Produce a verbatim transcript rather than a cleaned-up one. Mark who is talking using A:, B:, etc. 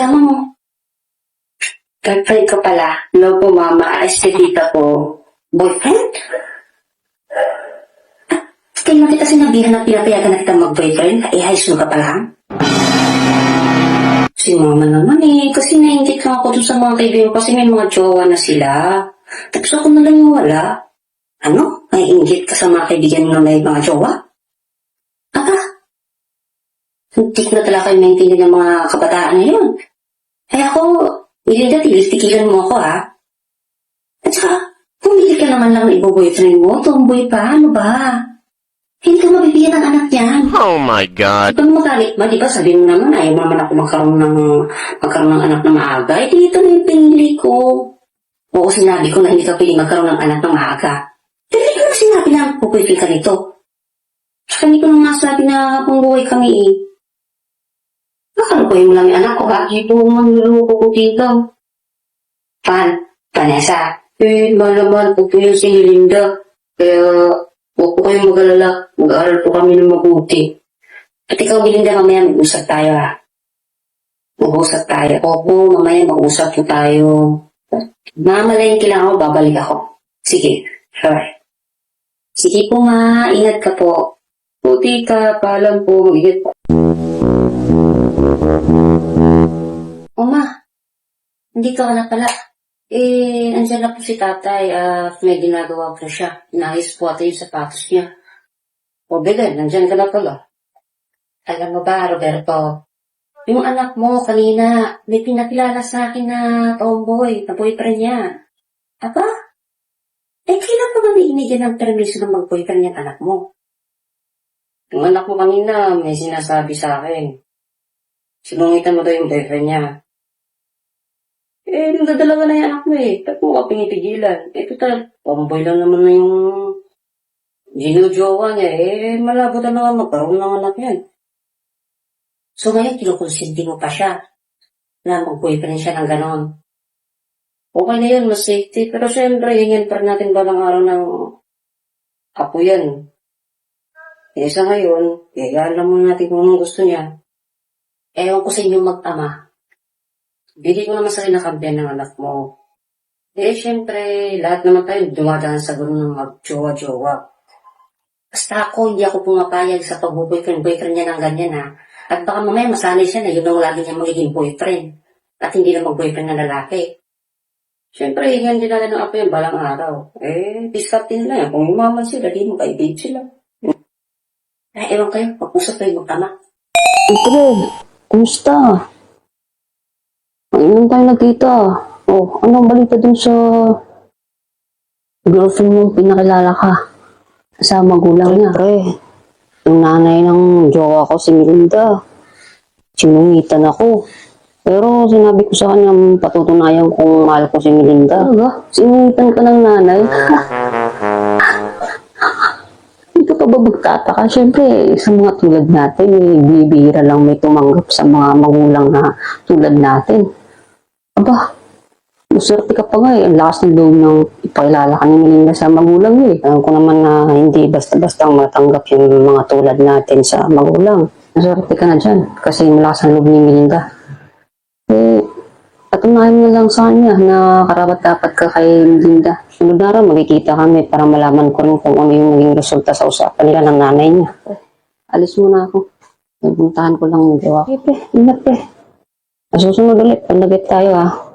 A: kasama mo?
B: Girlfriend ko pala. No po, mama. Ayos si tita ko.
A: Boyfriend? At kaya na kita sinabihan na pinapayagan na kita mag-boyfriend? Eh, high school ka pa lang? Si mama naman eh. Kasi nainggit lang ako dun sa mga kaibigan ko kasi may mga jowa na sila. Tapos ako na lang yung wala. Ano? Naiinggit ka sa mga kaibigan mo na may mga jowa? Aba? Hindi ko na talaga kayo maintindihan ng mga kabataan na yun. Kaya ako, Ilinda, tigilan mo ako ha. At saka, kung hindi ka naman lang ibo-boyfriend mo, tomboy pa, ano ba? Hindi ka mabibigyan ng anak niyan.
C: Oh my God.
A: Ito mo magalit ba? Di ba sabi mo naman, ayaw naman ako magkaroon ng, magkaroon ng anak na maaga. Eh, dito na yung pinili ko. Oo, sinabi ko na hindi ka pwede magkaroon ng anak na maaga. Pero hindi ko na sinabi na pupwede ka nito. Saka hindi ko na masabi na kung buhay kami eh. Nakalukoy mo lang yung anak ko ha. Dito manluluko ko dito. Pan, Vanessa. Eh, malaman po po yun si Linda. Kaya, huwag po kayong mag-alala. Mag-aaral po kami ng mabuti. At ikaw, Linda, mamaya mag-usap tayo ha. Mag-usap tayo. Opo, mamaya mag-usap po tayo. Mamalayin kailangan ako, babalik ako. Sige, sure. Sige po ma, ingat ka po. Po, tita, paalam po, mag-ingat po. O ma, hindi ka na pala. Eh, andyan na po si tatay at may ginagawa po siya. Inaayos po ata yung sapatos niya. O Belen, nandyan ka na pala. Alam mo ba, Roberto, yung anak mo kanina, may pinakilala sa akin na tomboy, na boyfriend niya. Aba? Eh, kailan pa ba binigyan ng permiso na mag-boyfriend niya anak mo? Yung anak mo kanina, may sinasabi sa akin. Sinungitan mo daw yung boyfriend niya. Eh, nagdadalawa na yung anak mo eh. Ba't mo ka pinipigilan? Eh, total, tomboy lang naman na yung ginujowa niya. Eh, malabo na naman magkaroon ng anak yan. So ngayon, kinukonsinti mo pa siya na mag-boyfriend siya ng ganon. Okay na yun, mas safety. Pero syempre, hingin pa rin natin balang araw ng apo yan. Eh, sa ngayon, eh, alam mo natin kung anong gusto niya. Ewan ko sa inyo mag-ama. Bili ko naman sa kinakampihan ng anak mo. Eh, syempre, lahat naman tayo dumadaan sa gano'n ng mag-jowa-jowa. Basta ako, hindi ako pumapayag sa pag-boyfriend-boyfriend niya ng ganyan, ha. At baka mamaya masanay siya na yun ang lagi niya magiging boyfriend. At hindi na mag-boyfriend na lalaki. Syempre, hingan din natin ng apo yan balang araw. Eh, discardin na yan. Kung umaman sila, di mo kaibig sila. Eh, ewan kayo, pag-usap kayo magtama.
B: Ito, kumusta? Ngayon tayo nagkita. Oh, anong balita dun sa girlfriend mong pinakilala ka? Sa magulang niya. Siyempre, yung nanay ng jowa ko, si Melinda. Sinungitan ako. Pero sinabi ko sa kanya, patutunayan kung mahal ko si Melinda. Talaga? Sinungitan ka ng nanay? Hindi ka pa ba magtataka? Siyempre, sa mga tulad natin, eh, bibihira lang may tumanggap sa mga magulang na tulad natin. Aba, maswerte ka pa nga eh. Ang lakas ng loob ng ipakilala ka ni Melinda sa magulang eh. Alam ko naman na hindi basta-basta matanggap yung mga tulad natin sa magulang. Maswerte ka na dyan kasi malakas ang loob ni Melinda. Eh, patunayan mo lang sa kanya na karapat-dapat ka kay Melinda. Sunod na araw, magkikita kami para malaman ko rin kung ano yung naging resulta sa usapan nila ng nanay niya. Alis muna ako. Pupuntahan ko lang yung gawa. Okay, pre. Ingat, pre. Susunod ulit. Palagit tayo, ah.